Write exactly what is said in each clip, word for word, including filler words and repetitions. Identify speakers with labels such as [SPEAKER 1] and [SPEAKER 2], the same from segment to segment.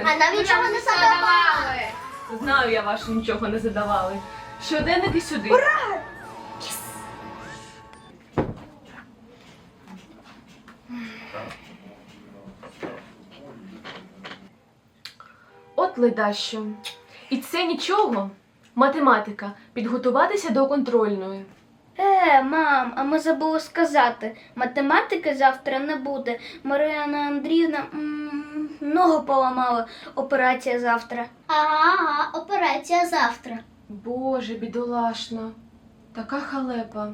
[SPEAKER 1] А нам нічого не задавали.
[SPEAKER 2] Знаю я вашу, нічого не задавали. Щоденники сюди.
[SPEAKER 1] Ура!
[SPEAKER 2] От ледащо. І це нічого. Математика. Підготуватися до контрольної.
[SPEAKER 3] Е, мам, а ми забули сказати, математики завтра не буде. Марина Андріївна м, ногу поламала. Операція завтра.
[SPEAKER 1] Ага, ага, операція завтра.
[SPEAKER 2] Боже, бідолашна. Така халепа.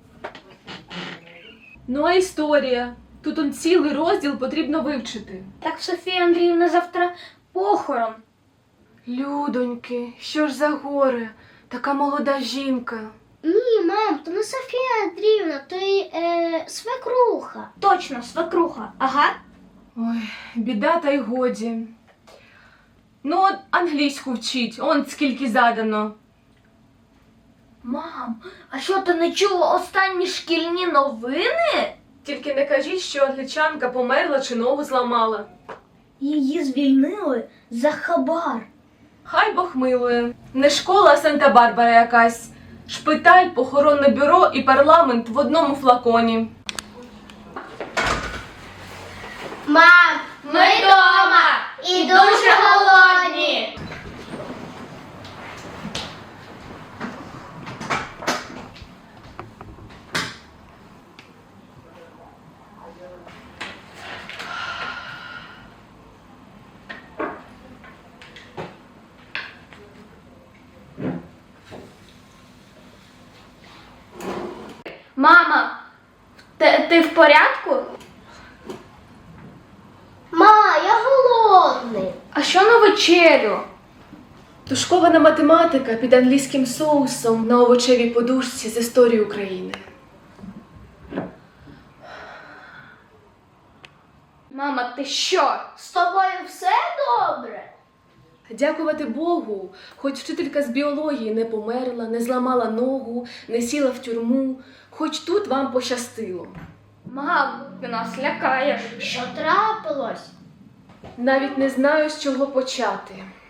[SPEAKER 2] Ну а історія? Тут он цілий розділ потрібно вивчити.
[SPEAKER 3] Так Софія Андріївна завтра похорон.
[SPEAKER 2] Людоньки, що ж за горе? Така молода жінка.
[SPEAKER 1] Ні, мам, то не Софія Андріївна, то й е, свекруха.
[SPEAKER 3] Точно, свекруха. Ага.
[SPEAKER 2] Ой, біда та й годі. Ну, от англійську вчіть, он скільки задано.
[SPEAKER 3] Мам, а що ти не чула останні шкільні новини?
[SPEAKER 2] Тільки не кажіть, що англічанка померла чи ногу зламала.
[SPEAKER 3] Її звільнили за хабар.
[SPEAKER 2] Хай Бог милує. Не школа, а Санта-Барбара якась. Шпиталь, похоронне бюро і парламент в одному флаконі.
[SPEAKER 1] Мам, ми вдома і дуже голодні.
[SPEAKER 3] Мама, ти, ти в порядку?
[SPEAKER 1] Ма, я голодний.
[SPEAKER 3] А що на вечерю?
[SPEAKER 2] Тушкована математика під англійським соусом на овочевій подушці з історії України.
[SPEAKER 3] Мама, ти що?
[SPEAKER 1] З тобою все добре?
[SPEAKER 2] Дякувати Богу, хоч вчителька з біології не померла, не зламала ногу, не сіла в тюрму, хоч тут вам пощастило.
[SPEAKER 3] Мам, ти нас лякаєш.
[SPEAKER 1] Що трапилось?
[SPEAKER 2] Навіть не знаю, з чого почати.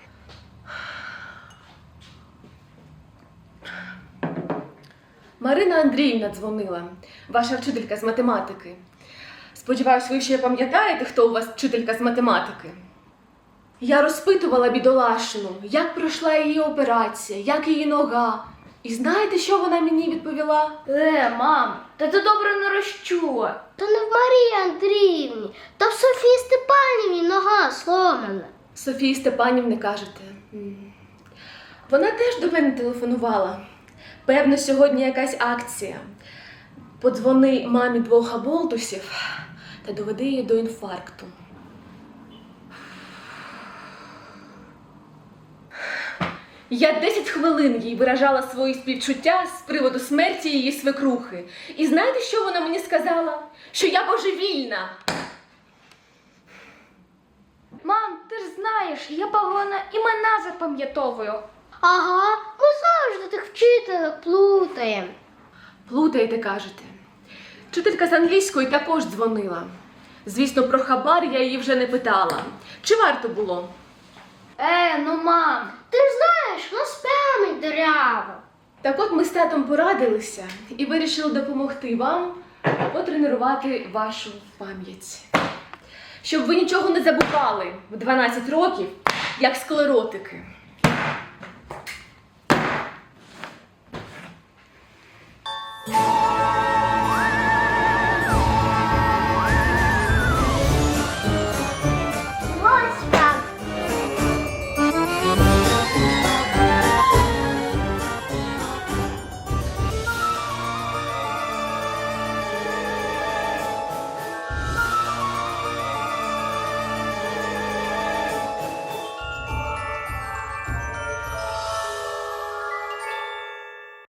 [SPEAKER 2] Марина Андріївна дзвонила, ваша вчителька з математики. Сподіваюсь, ви ще пам'ятаєте, хто у вас вчителька з математики? Я розпитувала бідолашну, як пройшла її операція, як її нога. І знаєте, що вона мені відповіла?
[SPEAKER 3] Е, мам, та ти добре не розчула.
[SPEAKER 1] То не в Марії Андріївні, то в Софії Степанівні нога сломана.
[SPEAKER 2] Софії Степанівни кажете. М. Вона теж до мене телефонувала. Певно, сьогодні якась акція. Подзвони мамі двох аболтусів та доведи її до інфаркту. Я десять хвилин їй виражала свої співчуття з приводу смерті її свекрухи. І знаєте, що вона мені сказала? Що я божевільна.
[SPEAKER 3] Мам, ти ж знаєш, я погано імена запам'ятовую.
[SPEAKER 1] Ага, ми завжди тих вчителів плутаємо.
[SPEAKER 2] Плутаєте, кажете. Вчителька з англійської також дзвонила. Звісно, про хабар я її вже не питала. Чи варто було?
[SPEAKER 3] Е, ну мам.
[SPEAKER 1] Ти ж знаєш, у нас пам'ять дерева.
[SPEAKER 2] Так от ми з татом порадилися і вирішили допомогти вам потренувати вашу пам'ять. Щоб ви нічого не забували в дванадцять років, як склеротики.